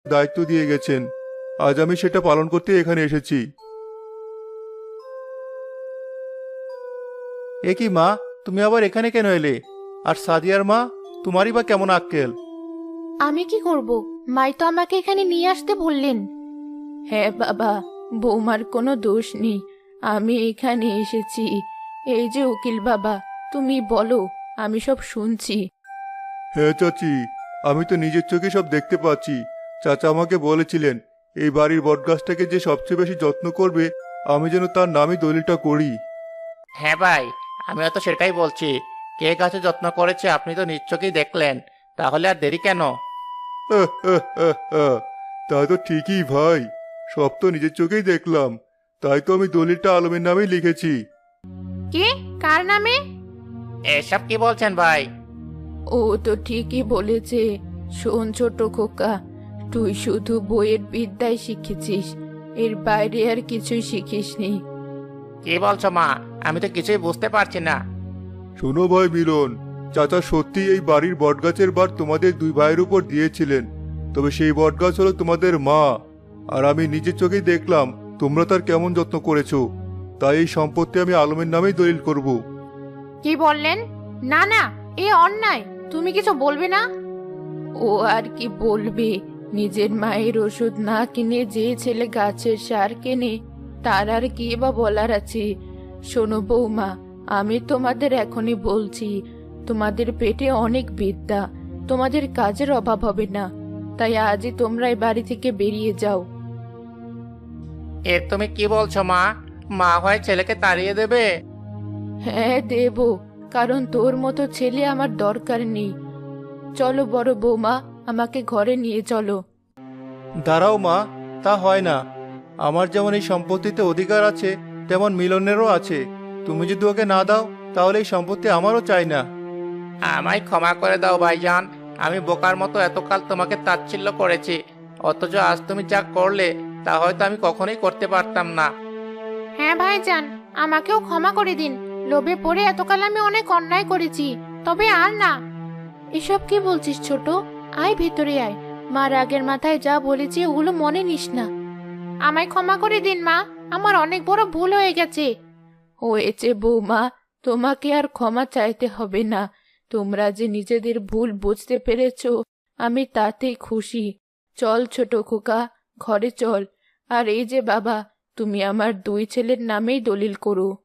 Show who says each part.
Speaker 1: দায়িত্ব দিয়ে গেছেন। আজ আমি সেটা পালন করতে এখানে এসেছি। এ কি মা, তুমি আবার এখানে কেন এলে? আর সাদিয়ার মা, তোমারই বা কেমন আক্কেল?
Speaker 2: আমি কি করব? মাই তো আমাকে এখানে নিয়ে আসতে বললেন। হ্যাঁ বাবা, বৌমার কোনো দোষ নেই। আমি এখানে এসেছি। এই যে উকিল বাবা, তুমি বলো, আমি সব শুনছি।
Speaker 1: হ্যাঁ চাচি, আমি তো নিজের চোখে সব দেখতে পাচ্ছি। চাচা আমাকে বলেছিলেন এই বাড়ির বটগাছটাকে যে সবচেয়ে বেশি যত্ন করবে, আমি যেন তার নামই দলিলটা করি।
Speaker 3: হ্যাঁ ভাই, আমিও তো সেটাই বলছি। কে গাছে যত্ন করেছে আপনি তো নিজ চোখেই দেখলেন। তাহলে আর দেরি কেন?
Speaker 1: আহ, আহ, আহ, আহ। তা তো ঠিকই ভাই, সব তো নিজের চোখেই দেখলাম। তাই তো আমি দলিলটা আলমের নামেই লিখেছি।
Speaker 2: কে? কার নামে?
Speaker 3: এসব কি বলছেন ভাই?
Speaker 2: ও তো ঠিকই বলেছে। শোন ছোট খোকা, তুই শুধু বইয়ের বিদ্যাই শিখেছিস, এর বাইরে আর কিছুই শিখিসনি।
Speaker 3: কি বলছো মা? আমি তো কিছুই বুঝতে পারছি না।
Speaker 1: শোনো ভাই মিলন, চাচা সত্যি এই বাড়ির বটগাছের ভার তোমাদের দুই ভাইয়ের উপর দিয়েছিলেন। তবে সেই বটগাছ হলো তোমাদের মা। আর আমি নিজের চোখেই দেখলাম তোমরা তার কেমন যত্ন করেছো। তাই এই সম্পত্তি আমি আলমের নামেই দলিল করব।
Speaker 2: কি বললেন? না না, এ অন্যায়। তুমি কিছু বলবে না? ও আর কি বলবে? নিজের মায়ের ওষুধ না কিনে যে ছেলে গাছের সার কেনে, তার আর কি বা বলার আছে? শোনো বৌমা, আমি তোমাদের এখনই বলছি, তোমাদের পেটে অনেক বিদ্যা, তোমাদের কাজের অভাব হবে না। তাই আজই তোমরা এই বাড়ি থেকে বেরিয়ে যাও।
Speaker 3: এ তুমি কি বলছো মা? মা হয়ে ছেলেকে তাড়িয়ে দেবে?
Speaker 2: হ্যাঁ দেব, কারণ তোর মতো ছেলে আমার দরকার নেই। চলো বড় বৌমা, আমাকে ঘরে নিয়ে চলো।
Speaker 1: দাঁড়াও মা, তা হয় না। আমার যেমন এই সম্পত্তিতে অধিকার আছে, তেমন মিলনেরও আছে। তুমি যদি ওকে না দাও, তাহলে এই সম্পত্তি আমারও চাই না।
Speaker 3: আমায় ক্ষমা করে দাও ভাইজান। আমি বোকার মতো এতকাল তোমাকে তাচ্ছিল্য করেছি। অথচ আজ তুমি যা করলে তা হয়তো আমি কখনোই করতে পারতাম না।
Speaker 2: হ্যাঁ ভাইজান, আমাকেও ক্ষমা করে দিন। লোভে পড়ে এতকাল আমি অনেক অন্যায় করেছি, তবে আর না। এসব কি বলছিস ছোট? আয় ভেতরে আয়। মা রাগের মাথায় যা বলেছি ওগুলো মনে নিস না। আমায় ক্ষমা করে দিন মা, আমার অনেক বড় ভুল হয়ে গেছে। হয়েছে বৌমা, তোমাকে আর ক্ষমা চাইতে হবে না। তোমরা যে নিজেদের ভুল বুঝতে পেরেছো, আমি তাতেই খুশি। চল ছোট খোকা, ঘরে চল। আর এই যে বাবা, তুমি আমার দুই ছেলের নামেই দলিল করো।